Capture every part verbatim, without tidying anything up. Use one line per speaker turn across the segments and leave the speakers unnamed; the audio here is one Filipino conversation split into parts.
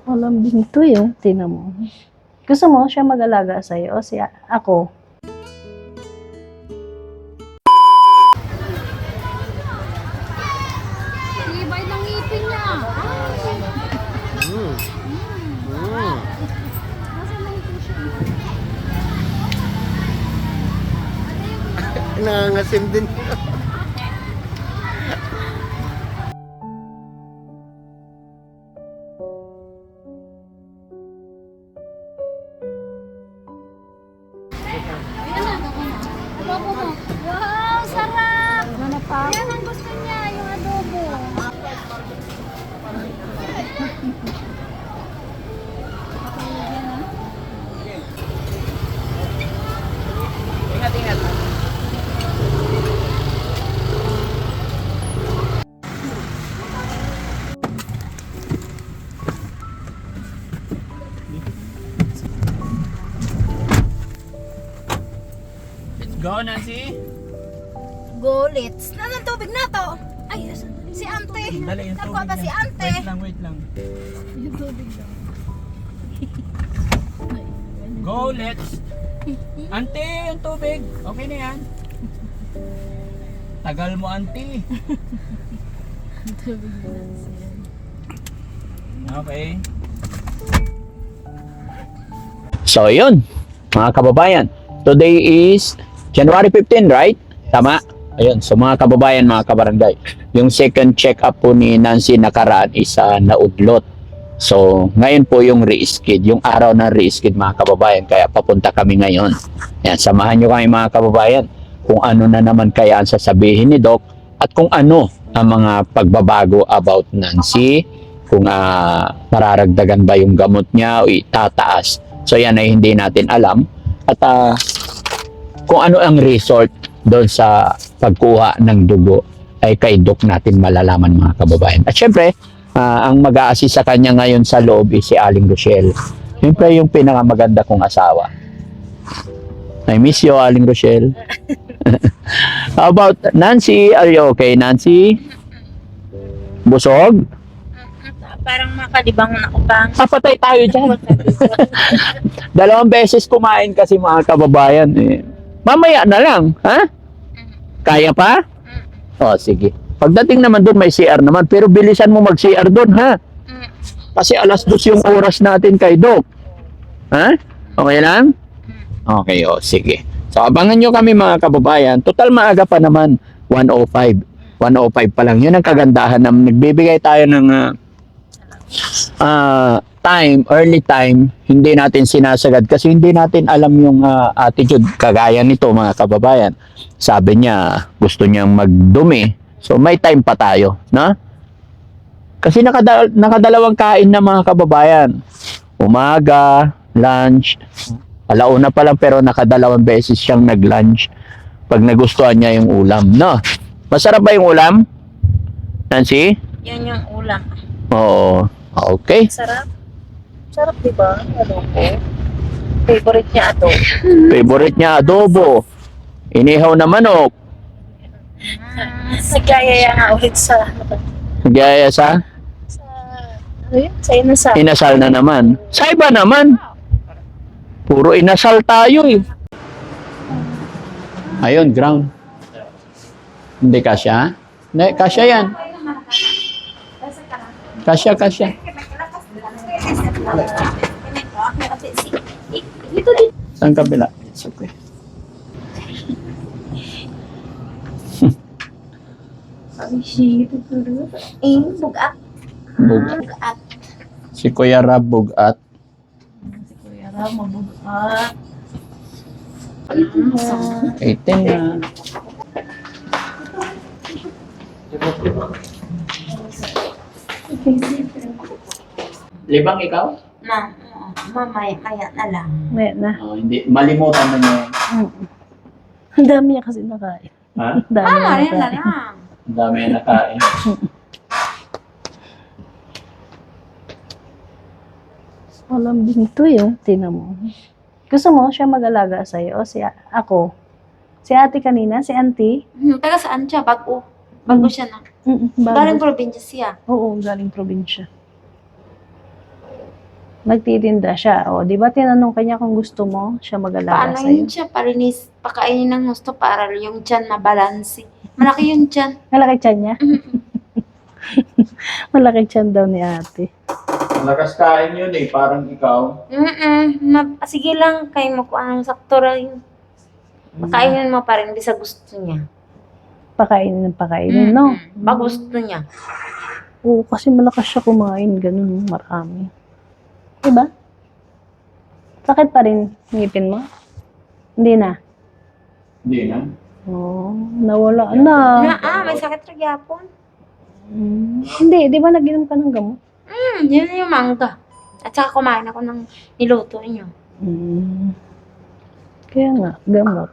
Malambing to yung tinan mo. Gusto mo siya mag-alaga sa'yo o siya, ako?
Ibay ng ngipin niya.
Mm. Mm.
Nasa lang po siya.
Nangangasim din.
Ayan na. Adobo mo. Wow, sarap! Yan ang gusto niya, yung adobo.
Go, Nancy!
Gulits. Nasaan tubig na to? Ay, si ante.
Dali yung
Nakuha
tubig
pa si
niya.
ante.
Wait lang, wait lang.
Yung tubig daw.
Go, let's! Ante, yung tubig! Okay na yan. Tagal mo, ante.
Tubig na siya.
Okay. So, yun. Mga kababayan. Today is January fifteenth, right? Tama? Ayun. So, mga kababayan, mga kabarangay. Yung second check-up po ni Nancy nakaraan is uh, naudlot. So, ngayon po yung re-skid. Yung araw ng re-skid, mga kababayan. Kaya papunta kami ngayon. Ayan, samahan nyo kami, mga kababayan. Kung ano na naman kaya ang sasabihin ni Doc. At kung ano ang mga pagbabago about Nancy. Kung uh, mararagdagan ba yung gamot niya o itataas. So, yan ay hindi natin alam. At uh, kung ano ang result doon sa pagkuha ng dugo ay kay Doc natin malalaman, mga kababayan. At syempre, uh, ang mag-a-assist sa kanya ngayon sa loob is si Aling Rochelle. Syempre yung pinakamaganda kong asawa. I miss you, Aling Rochelle. How about Nancy? Are you okay, Nancy? Busog?
Parang makalibang na ako pa.
Papatay tayo dyan. Dalawang beses kumain kasi, mga kababayan. Eh. Mamaya na lang, ha? Kaya pa? O, sige. Pagdating naman doon, may C R naman. Pero bilisan mo mag-C R doon, ha? Kasi alas dos yung oras natin kay Doc. Ha? Okay lang? Okay, o, sige. So, abangan nyo kami, mga kababayan. Total maaga pa naman. one oh five. one oh five pa lang. Yun ang kagandahan na nagbibigay tayo ng uh, uh, time, early time. Hindi natin sinasagad kasi hindi natin alam yung uh, attitude. Kagaya nito, mga kababayan. Sabi niya, gusto niyang magdumi. So, may time pa tayo, no? Kasi nakada nakadalawang kain na, mga kababayan. Umaga, lunch, alauna pa lang pero nakadalawang beses siyang nag-lunch pag nagustuhan niya yung ulam, no? Masarap ba yung ulam, Nancy?
Yan yung ulam.
Oo. Okay.
Sarap. Sarap, di ba? Adobo. Favorite niya adobo.
Favorite niya adobo. Inihaw na manok.
Nagyayaya nga ulit sa...
Gaya sa
sa... Ano yun? Sa inasal.
inasal na naman. Sa iba naman. Puro inasal tayo eh. Ayun, ground. Hindi kasya? Hindi, kasya yan. Kasya, kasya. Saan kabila? It's okay.
Eh, bugat.
Bugat.
Bugat.
Si Kuya Rab bugat.
Kuya Ram, mabugat.
eighteen na. Libang ikaw?
Ma, mamaya, maya na lang.
May na.
Oh, hindi. Malimutan mo niya.
Mm. Ang dami niya kasi nakain.
Ha?
Ang dami
Ah,
niya
rin na
nakain.
lang.
Ang dami na nakain.
Malambing to yung tinan mo. Gusto mo siya mag-alaga sa'yo o si ako? Si ate kanina, si auntie?
Hmm, taga saan siya? Bago. Bago siya na.
Mm, bago.
Galing probinsya siya.
Oo, galing probinsya. Nagtitinda siya. O, di ba tinanong kanya kung gusto mo siya mag-alaga
Paano
sa'yo?
yun siya? Parinis, pakainin ng gusto para yung tiyan mabalansi. Malaki yung tiyan.
Malaki tiyan niya? Malaki tiyan daw ni ate.
Malakas kain yun eh, parang ikaw.
Mm-mm. Ma- sige lang, kayo mo kung anong sakto rin. Pakainin mo pa rin, di sa gusto niya.
Pakainin ng pakainin, no?
Mm-mm. Ba gusto niya.
Oo, kasi malakas siya kumain. Ganun, marami. Diba? Sakit pa rin ngipin mo? Hindi na.
Hindi na.
Oo, nawala na.
Na, ah, may sakit rin yapon.
Mm, hindi, di ba nag-inom ka ng gamot?
Hmm, yun yung mangga. At saka kumain ako ng niluto niyo.
Mm. Kaya nga, gamot.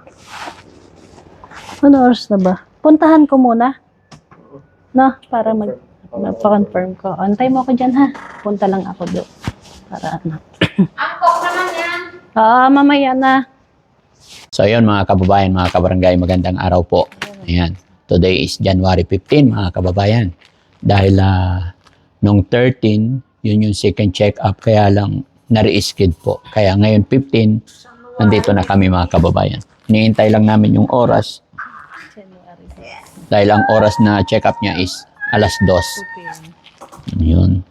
Ano oras na ba? Puntahan ko muna. No, para mag magpa-confirm ko. Antay mo ako dyan, ha? Punta lang ako doon. Para ano.
Ang coke naman yan.
Ah, mamaya na.
So ayun mga kababayan, mga kabarangay, magandang araw po. Ayan. Today is January fifteenth, mga kababayan. Dahil uh, nung thirteen, yun yung second check-up, kaya lang na-re-skid po. Kaya ngayon fifteen, nandito na kami mga kababayan. Niintay lang namin yung oras. Dahil ang oras na check-up niya is alas dos. Yun.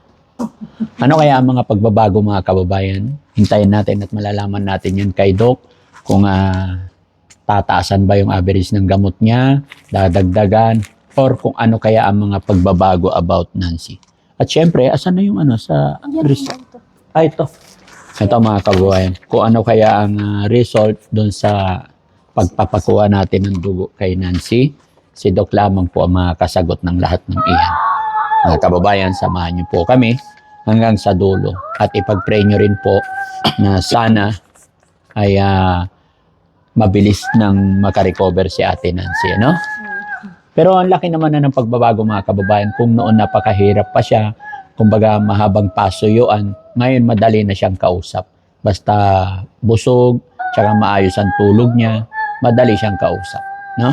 Ano kaya ang mga pagbabago mga kababayan? Hintayin natin at malalaman natin yun kay Doc kung uh, tataasan ba yung average ng gamot niya, dadagdagan, or kung ano kaya ang mga pagbabago about Nancy. At syempre, asan na yung ano sa result? Ah, ito. Ito mga kababayan. Kung ano kaya ang uh, result doon sa pagpapakuha natin ng dugo kay Nancy, si Doc lamang po ang makakasagot ng lahat ng iyan. Mga kababayan, samahan niyo po kami hanggang sa dulo. At ipag-pray niyo rin po na sana ay uh, mabilis nang makarecover si Ate Nancy, no? Pero ang laki naman na ng pagbabago mga kababayan. Kung noon napakahirap pa siya, kumbaga mahabang pasuyuan, ngayon madali na siyang kausap. Basta busog, tsaka maayos ang tulog niya, madali siyang kausap, no?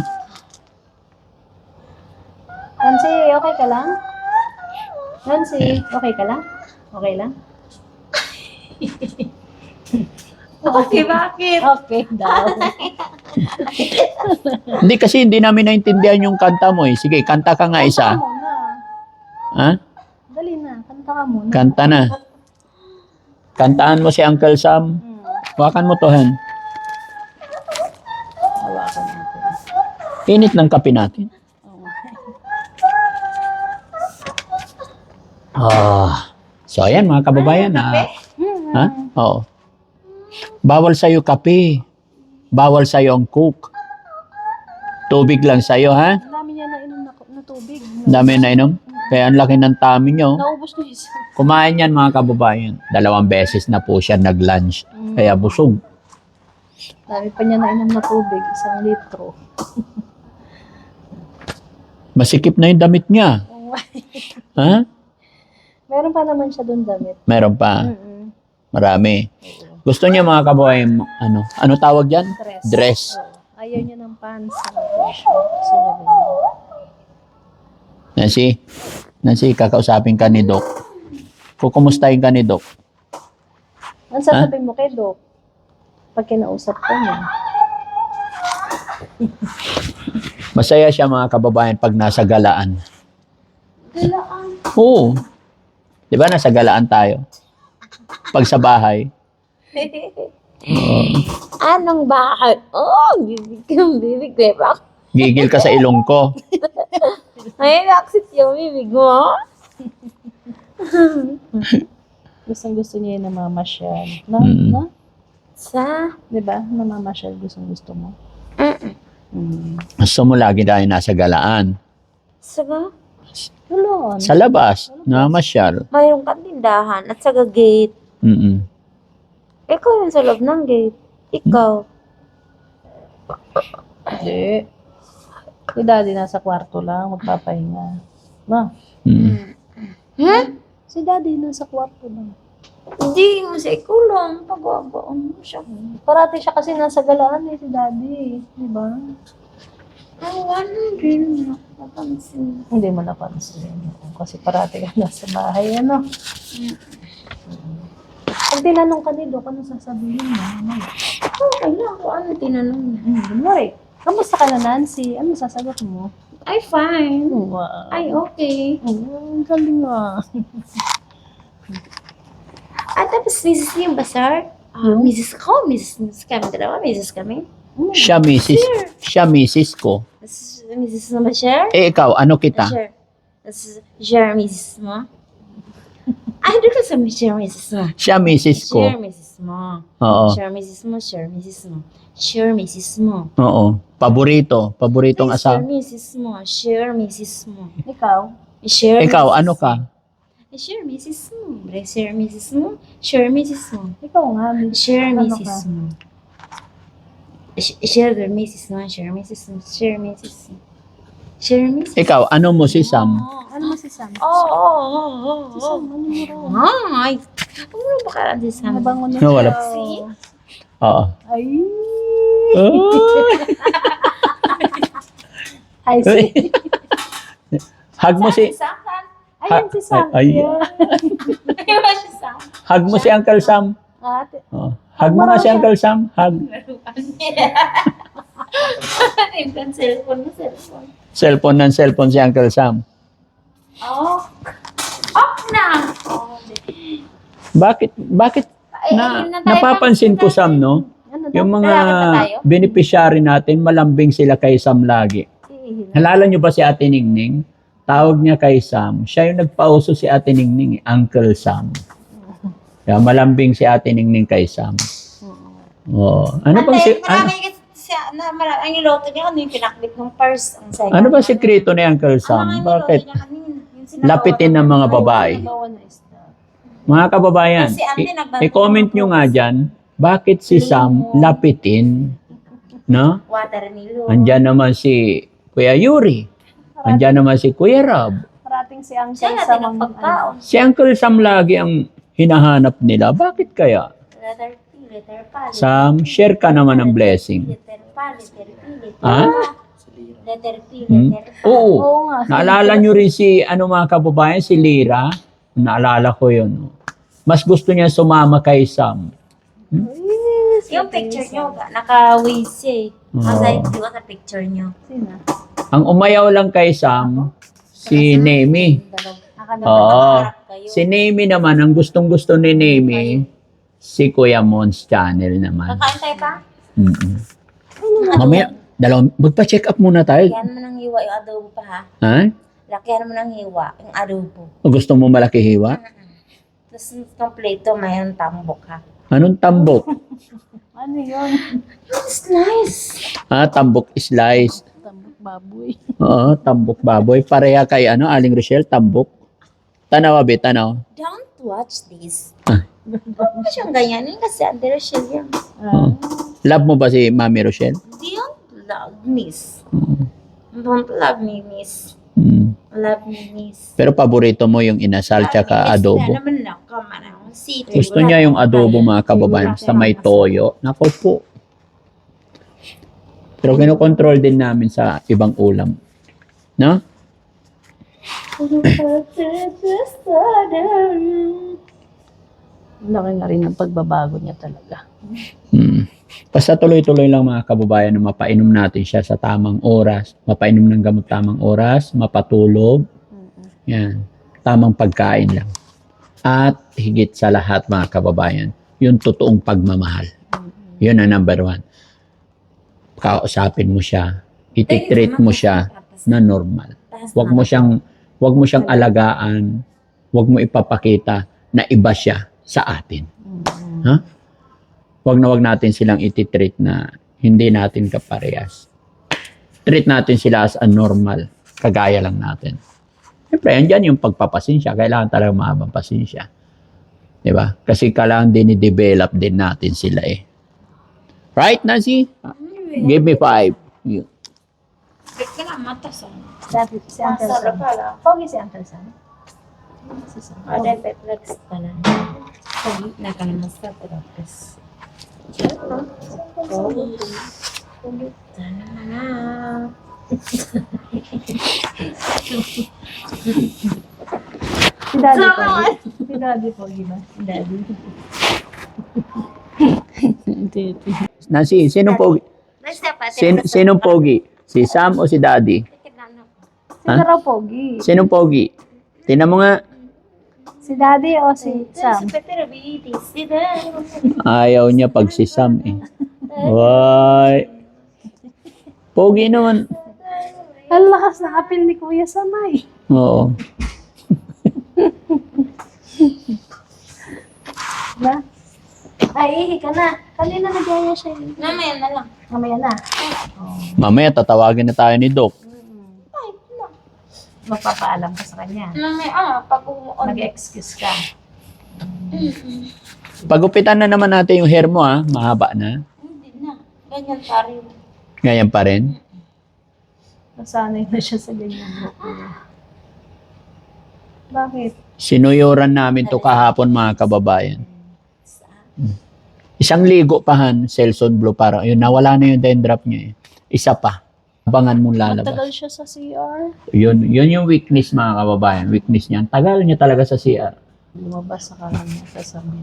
Nancy, okay ka lang? Nancy, okay ka lang? Okay lang?
Okay, bakit?
Okay daw.
Hindi kasi hindi namin naintindihan yung kanta mo eh. Sige, kanta ka nga isa.
Kanta muna.
Ha?
Dali na, kanta ka muna.
Kanta na. Kantaan mo si Uncle Sam.
Hmm,
Hawakan mo to, Han.
hawakan natin.
Init ng kape natin. Ah. So, ayan mga kababayan. Ah, ha? Oo. Bawal sa'yo kape. Bawal sa'yo ang coke. Tubig lang sa'yo, ha?
Ang dami niya nainom na, na tubig.
Dami na inom. Kaya ang laki ng tummy nyo.
Naubos na isa.
Kumain yan mga kababayan. Dalawang beses na po siya nag-lunch. Kaya busog.
Dami pa niya nainom na tubig. Isang litro.
Masikip na yung damit niya. Ha?
Meron pa naman siya doon damit.
Meron pa.
Mm-mm.
Marami. Gusto niya mga kababayan, ano? Ano tawag dyan?
Dress.
Dress.
Oo. Ayaw niya ng pants sa t-shirt. Gusto niya ganyan.
Nancy, Nancy, kakausapin ka ni Doc. Kukumustahin ka ni Doc.
Ano sasabihin mo kay Doc? Pag kinausap ko niya.
Masaya siya mga kababayan pag nasa galaan.
Galaan.
Oo. Di ba nasa galaan tayo? Pag sa bahay. Oo.
Anong bakit? Oh, bibig kang bibig. Diba?
Gigil ka sa ilong ko.
Ay, naksit yung bibig mo.
Gustong gusto niya yung namamasyal. No?
Mm.
No?
Sa?
Di ba? Namamasyal gustong gusto mo.
Mm-mm.
Mm.
Gusto mo lagi tayo nasa galaan.
Saga?
Tulon.
Sa labas, namasyal.
Mayroong kang tindahan at sa gate.
Mm-mm.
Ikaw yung sa loob ng gate. Ikaw.
Hindi. Si daddy nasa kwarto lang, magpapahinga. No?
Mm.
Hmm?
Si daddy nasa kwarto lang.
Hindi mo sa ikulong. Pagwabaon mo siya.
Parati siya kasi nasa galaan eh, si daddy. Di ba?
Ay, wala din. Napansin.
Hindi mo napansin. Kasi parati ka nasa bahay, ano? Pag tinanong ka ni Doc, anong sasabihin mo? Ano?
Okay lang kung ano tinanong niya.
Hmm, kunwari, kamusta ka na, Nancy? Ano sasagot mo?
Ay, fine.
Wow.
Ay, okay.
Oh, galing ah.
At tapos, Missus niya ba, sir? Ah,
Hmm?
Missus ko, Missus Missus kami dalawa, Missus kami.
Siya misis, siya misis ko.
Tapos, Missus mo ba, sir?
Eh, ikaw, ano kita?
Sure. Tapos, sure, Missus mo? Ay, doon ka sa sure, Missus mo.
Siya misis ko.
Sure, Missus mo.
Oo.
Sure, Missus mo, sure, Missus mo. Sure, Missus mo.
Oo. Paborito. Paboritong
Ay, Sure,
asawa.
Missus mo. Sure, Missus mo.
Ikaw?
Sure,
Ikaw,
Missus
ano ka?
mo. Sure, Missus mo. Bre, Sure, Missus mo. Sure, Missus mo.
Ikaw nga, Miss.
Sure,
Ano
Missus
ka?
mo. Sh- Sure, Missus mo. Sure, Missus mo. Sure, Missus mo. Sure, Missus
Ikaw, ano mo si Sam?
Ano mo si Sam?
Oo, oo, oo, oo.
Si Sam, ano mo raw?
Ay, ano ba ka si Sam?
Mabango na
No, wala.
siya.
See?
Oo.
Ay.
Ay.
Ay, si.
Hug mo si
Sam?
Ayan si Sam.
Ay, ay.
Yeah.
Ayaw ba si Sam?
hug mo si Uncle Sam.
Ate.
Oo. Hug mo nga si Uncle Sam. Hug.
Yung cellphone mo, cellphone.
Cellphone ng cellphone si Uncle Sam.
Oh. Off na!
Bakit bakit
Ay,
na
ayun na tayo.
napapansin ko Sam, no?
Ano daw?
Yung mga
Lalakad na tayo?
beneficiary natin, malambing sila kay Sam lagi. Nalala niyo ba si Ate Ningning? Tawag niya kay Sam. Siya yung nagpauso si Ate Ningning, eh, Uncle Sam. Kaya malambing si Ate Ningning kay Sam. Oo. Ano bang si ano,
Marami kasi siya, na, marami, ang niloto niya kanina, yung pinaklit ng purse. Ang second.
ano ba sikreto ni Uncle Sam?
Ang mga
Bakit
niloto niya kanina, yung sinagawa
lapitin ng mga babae?
Bawa na isda.
Mga kababayan,
Kasi ate,
i-
nagbantay
i-comment
ng
nyo nga dyan, bakit si Sam lapitin? No?
Water nilo.
Andyan naman si Kuya Yuri. Andyan naman si Kuya Rob.
Parating si Uncle
Siya
sa
natin ang
mga
pagkaon.
Si Uncle Sam lagi ang hinahanap nila. Bakit kaya?
Letter P, letter pa.
Sam, share ka naman ng blessing.
Letter pa, letter P, letter
Ha?
pa. Letter P,
Hmm?
letter pa.
Oo.
Oo nga.
Naalala nyo rin si, ano mga kababayan, si Lira. Naalala ko yun. Mas gusto niya sumama kay Sam.
Yung picture nyo, naka-waze siya eh.
Oo.
Masaya di ko sa picture nyo.
Sino?
Ang umayaw lang kay Sam, si Nemi. Oo.
Kayo.
Si Nemi naman, ang gustong-gusto ni Nemi, si Kuya Mons Channel naman.
Kakain tayo pa?
Mm-mm. Mamaya, dalawang, magpa-check up muna tayo.
Lakihan mo ng hiwa yung adobo pa ha.
Ha?
Lakihan mo ng hiwa yung adobo.
O gusto mo malaki hiwa?
Tapos kompleto mayroong tambok ha.
Anong tambok?
Ano yun?
It's nice.
Ah, tambok slice.
Tambok baboy.
Oo, tambok baboy. Pareha kay ano, Aling Rochelle, tambok. Tanaw, abi, tanaw.
Don't watch this.
Ah.
Huwag mo siyang ganyanin kasi under siya yan.
Oo. Love mo ba si Mami Rochelle?
Don't love miss.
Oo.
Don't love me miss.
Mm.
Love me miss.
Pero paborito mo yung inasal tsaka adobo.
Na naman na kamara. Sito.
Gusto niya yung adobo mga kababayan sa may toyo. Nako po. Pero kinokontrol din namin sa ibang ulam. No?
Laki nga rin ang pagbabago niya talaga.
Hmm. Basta tuloy-tuloy lang mga kababayan na mapainom natin siya sa tamang oras. Mapainom ng gamot tamang oras, mapatulog. Yan. Tamang pagkain lang. At higit sa lahat mga kababayan, yung totoong pagmamahal. Yun ang number one. Kausapin mo siya. Ititreat mo siya na normal. Huwag mo siyang huwag mo siyang alagaan. Huwag mo ipapakita na iba siya sa atin. Ha? Huwag na huwag natin silang ititreat na hindi natin kaparehas. Treat natin sila as a normal. Kagaya lang natin. Siyempre, andyan yung pagpapasensya. Kailangan talaga mahabang pasensya. Diba? Kasi kailangan din i-develop din natin sila eh. Right, Nancy? Give me five. You.
Ba't ka na matas ah?
Si Uncle si Uncle
Masarap
Sam.
pala.
Pogi si Uncle Sam. Si Sam.
Ah, dapat flex pala. Pogi na ka naman sa tapos. Pogi. Pogi. Sana na.
Si Daddy Pogi. Si Daddy Pogi ba? Si Daddy.
Nancy, sinong pogi? Sin, sinong pogi? Si Sam o si Daddy?
Si Daraw Pogi.
Sinong pogi? Tingnan mo nga.
Si Daddy o si Sam?
Ayaw niya pag si Sam eh. Why? Pogi naman.
Ang lakas ng apil ni Kuya Samay.
Oo.
Diba? Ay, ihi ka na. Kanina nagyaya siya.
Mamaya na lang.
Mamaya na.
Mamaya tatawagin na tayo ni Doc.
Magpapaalam ka sa kanya.
Mamaya, ah, pag umuon.
Mag-excuse ka.
Pagupitan na naman natin yung hair mo ha. Mahaba na.
Hindi na. Ganyan pa rin.
Ngayon pa rin.
Nasanay na siya sa ganyan. Bakit?
Sinuyuran namin to kahapon mga kababayan. Hmm. Isang ligo pa han, Selson Blue para yun nawala na yung dandruff niya eh. Isa pa. Abangan mong lalabas.
Matagal siya sa C R.
Yun, yun yung weakness mga kababayan. Weakness niya. Ang tagal niya talaga sa C R.
Lumabas sa kanan niya sa sabihin.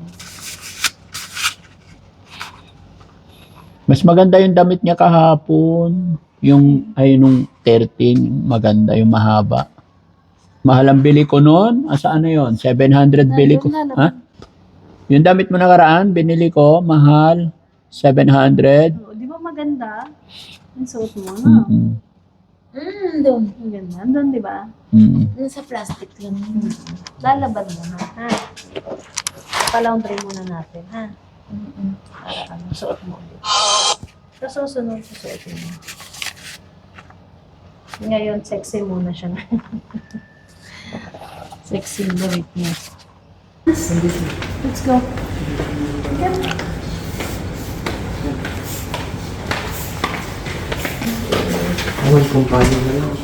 Mas maganda yung damit niya kahapon. Yung ay nung thirteen, maganda yung mahaba. Mahal ang bili ko noon. Asa ano yun? seven hundred bili ko.
Nandun na,
Ha? Yung damit mo nakaraan, binili ko, mahal. seven hundred.
Oh, di ba maganda? Yung suot mo, no?
Mm-mm.
Hmm, doon.
Ang ganda. Andun, di ba?
Mm-mm.
Doon sa plastic lang.
Lalabad mo na, ha? Palaundry muna natin, ha? Para ano, suot mo ulit. Sa susunod, susuotin mo. Ngayon, sexy muna siya. Sexy look niya. Let's go. Okay.
Awal kumpanya na lang.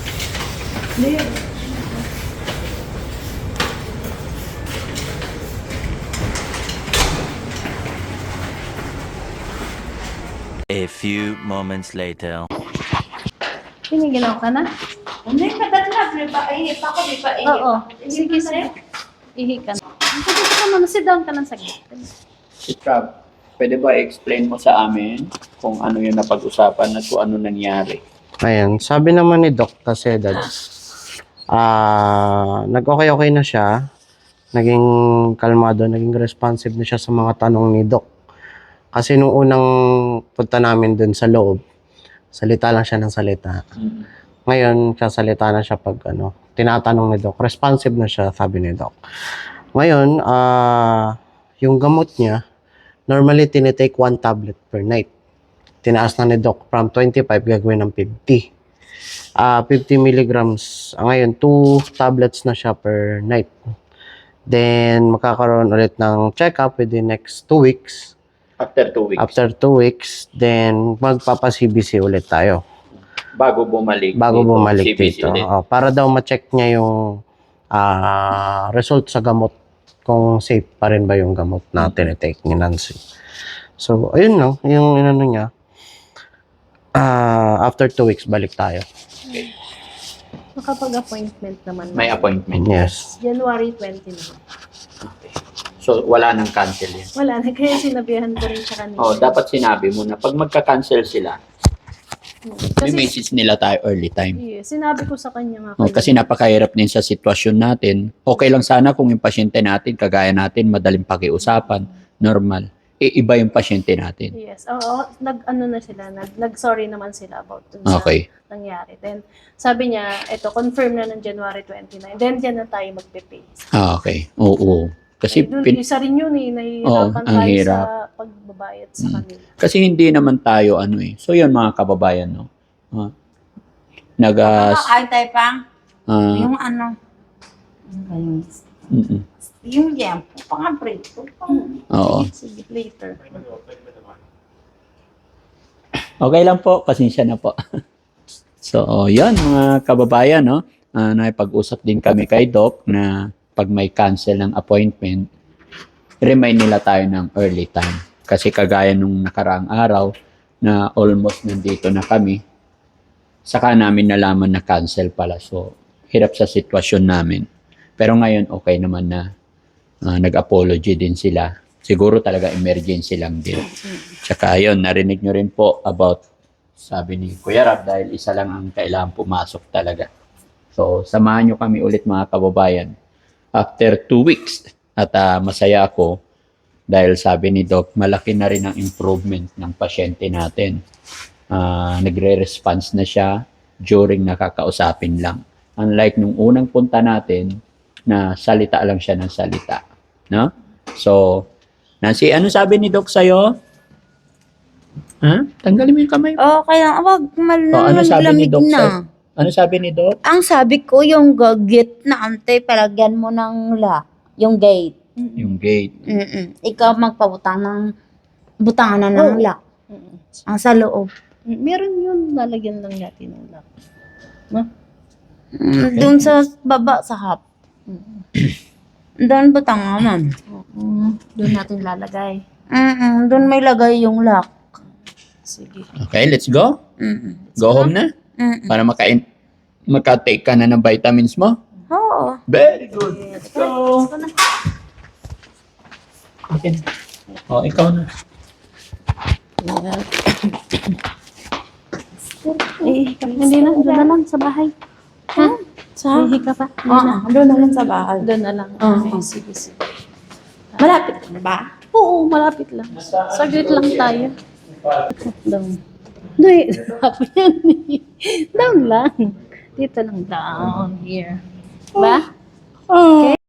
A few moments later.
Piniginaw ka na?
Hindi, kagat na. Di ba? Ihip ako, di ba? Ihip
Oo.
ako.
Sige, sige. Ihi ka na. Sige ka muna. Sit down ka ng saglit.
Si Trav, pwede ba i-explain mo sa amin kung ano yung napag-usapan at kung ano nangyari?
Ayan, sabi naman ni Doc kasi dad, ah, nag-okay-okay na siya, naging kalmado, naging responsive na siya sa mga tanong ni Doc. Kasi nung unang punta namin dun sa loob, salita lang siya ng salita. Ngayon, sasalita na siya pag ano, tinatanong ni Doc. Responsive na siya, sabi ni Doc. Ngayon, ah, yung gamot niya, normally tinitake one tablet per night. Tinaas na ni Doc from twenty-five gagawin ng fifty. Ah, fifty milligrams. Ah, ngayon, two tablets na siya per night. Then, makakaroon ulit ng check-up within next two weeks.
After two weeks.
After two weeks, then magpapa-C B C ulit tayo.
Bago bumalik.
Bago
dito,
bumalik
C B C
dito.
ulit.
Oh, para daw ma-check niya yung ah, result sa gamot kung safe pa rin ba yung gamot na tinitake ni Nancy. So, ayun lang. Yung inano niya. Ah, after two weeks, balik tayo.
Makapag-appointment naman.
May appointment.
Yes.
January twenty na.
So, wala nang cancel yan.
Wala na. Kaya sinabihan ko rin siya kanina.
Oh, dapat sinabi mo na pag magka-cancel sila, may
Kasi,
message nila tayo early time.
yeah, sinabi ko sa kanya nga.
Oh, kasi napakahirap din sa sitwasyon natin. Okay lang sana kung yung pasyente natin, kagaya natin, madaling pakiusapan, normal. E, iba yung pasyente natin.
Yes. Oo, nag-ano na sila, nag, nag-sorry naman sila about dun sa
Okay.
nangyari. Then, sabi niya, ito, confirm na ng January twenty-nine. Then, diyan na tayo magpe-pay.
Ah, okay. Oo. Kasi,
Eh, dun,
pin-
isa rin yun eh,
Oo,
nahihirapan
ang
tayo
hirap.
sa pagbabayad sa
Mm.
kanila.
kasi hindi naman tayo ano eh. So, yun mga kababayan, no? Ah, nag, ah,
Ay, tayo pang.
ah,
Yung ano. Yung,
mm-mm.
yung yempo. Pang-aprito.
Oo.
Sige, later.
Okay lang po, pasensya na po. So, oh, yan mga kababayan, no? Ah, nakipag-usap din kami kay Doc na pag may cancel ng appointment, remind nila tayo ng early time. Kasi kagaya nung nakaraang araw na almost nandito na kami, saka namin nalaman na cancel pala. So, hirap sa sitwasyon namin. Pero ngayon, okay naman na ah, nag-apology din sila. Siguro talaga emergency lang din. Tsaka yun, narinig nyo rin po about, sabi ni Kuya Rab, dahil isa lang ang kailangan pumasok talaga. So, samahan nyo kami ulit mga kababayan. After two weeks, at ah, masaya ako, dahil sabi ni Doc, malaki na rin ang improvement ng pasyente natin. Ah, nagre-response na siya during nakakausapin lang. Unlike nung unang punta natin, na salita lang siya ng salita. No? So, Nancy, ano sabi ni Doc sa'yo? Ha? Tanggalin mo yung kamay.
Oh, kaya wag mal
O, ano sabi ni
malamig
Doc
na.
sa'yo? Ano sabi ni Doc?
Ang sabi ko, yung gate na ante, palagyan mo ng lock. Yung gate.
Yung gate.
Mm-mm. Ikaw magpabutang ng butangan na ng
Oo.
lock.
Mm-mm.
Ang sa loob.
Meron yun, lalagyan lang natin ng lock.
Mm, Doon sa baba sa hap. Doon butangan.
Mm, doon natin lalagay.
Mm-mm. Doon may lagay yung lock.
Sige.
Okay, let's go.
Mm-mm.
Go home na.
Mm-mm.
Para makain, makatake ka na ng vitamins mo.
Oo.
Very good. Let's go. Okay. O, ikaw na.
Eh, hindi na, doon na lang sa bahay. Ha? Sa? Hihi ka pa? Hindi na.
Oo, doon na lang sa bahay.
Doon na lang.
Oo.
Okay, sige, sige.
Malapit na ba?
Oo, malapit lang. Saglit lang tayo. Down. Hindi, sabi yan eh. Down lang. Dito lang, down here. Ba? Okay?